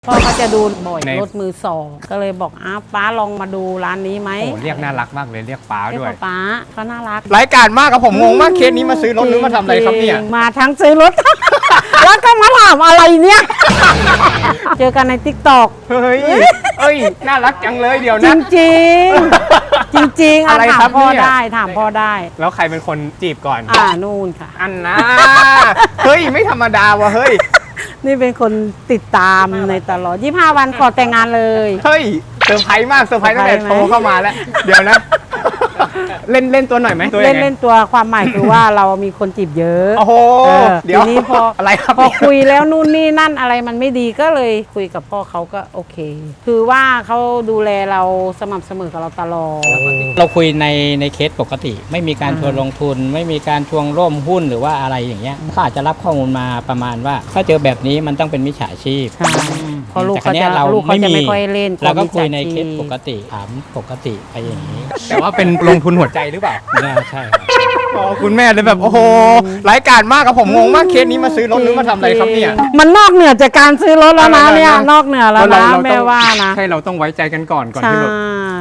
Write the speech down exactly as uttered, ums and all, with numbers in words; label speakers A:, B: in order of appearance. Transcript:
A: พ่อเขาจะดูบ่อย
B: ใน
A: รถมือสองก็เลยบอกอ้าวป้าลองมาดูร้านนี้ไหม
B: โอ้เรียกน่ารักมากเลยเรียกป้า
A: เรียก
B: ด้วย
A: ว่าป้าเขาน่ารัก
B: รายการมากกับผมงงมากเคสนี้มาซื้อรถหรือมาทำอะไรครับเนี่ย
A: จงๆมาทั้งซื้อรถ แล้วก็มาถามอะไรเนี่ย เจอกันในติ๊กต็อก
B: เฮ้ยเอ้ยน่ารักจังเลยเดี๋ยว
A: จ
B: นะ
A: ริงๆ จริงๆ
B: อะไร
A: ถา
B: ครั
A: ม
B: บ
A: พ่อ
B: เนี่ย
A: ได้ถามพ่อได้
B: แล้วใครเป็นคนจีบก่อน
A: อ่านู่นค่ะ
B: อันนะเฮ้ยไม่ธรรมดาวะเฮ้ย
A: นี่เป็นคนติดตามในตลอดยี่สิบห้าวันขอแต่งงานเลย
B: เฮ้ยเซอร์ไพรส์มากเซอร์ไพรส์ตั้งแต่
A: เซอร์ไพรส์ไหม
B: โทรเข้ามาแล้ว เดี๋ยวนะ เล่นเล่นตัวหน่อยไหมตัว
A: เล่
B: ยั
A: น
B: งไง
A: เล่นตัวความหมายคือว่าเรามีคนจีบเยอะ
B: โอ้โห
A: เออ
B: เดี๋ยว
A: ทีนี้พอ
B: อะไรครับ
A: พอ
B: เนี่ย
A: คุยแล้วนู่นนี่นั่นอะไรมันไม่ดีก็เลยคุยกับพ่อเขาก็โอเค คือว่าเขาดูแลเราสม่ำเสมอกับเราตลอด
C: เราคุยในในเคสปกติ ไม่มีการ
A: อ่า
C: ชวนลงทุน ไม่มีการชวงร่วมหุ้นหรือว่าอะไรอย่างเงี้ยเขาอาจจะรับข้อมูลมาประมาณว่า ถ้าเจอแบบนี้มันต้องเป็นมิจฉาชีพ
A: ใช่เพราะลูก
C: แต่คร
A: เขา
C: ว
A: จะ
C: นี้ยเรา
A: ลูกเขาจะ
C: ไม่มี
A: ไม่ค่อยเล่น
C: เราก็
A: วม
C: คุยใน
A: มิจฉา
C: เคส
A: ชีพ
C: ปกติถามปกติไปอย่างนี้
B: แต่ว่าเป็นลงทุนหัวใจหรือเปล่า
C: น่าใช่ครับ
B: อ๋อคุณแม่เลยแบบโอ้โหรายการมากกับผมงงมากเคสนี้มาซื้อรถหรือมาทำอะไรครับเนี่ย
A: มันนอกเหนือจากการซื้อรถแล้วนะ
B: อะไรนะ
A: เนี่ยนอกเหนือแล้ว
B: เรา
A: นะ
B: เรา
A: แม่
B: ต้อง
A: ว่านะ
B: ใช่เราต้องไว้ใจกันก่อนก่อน
A: ใช่
B: ที่แบบ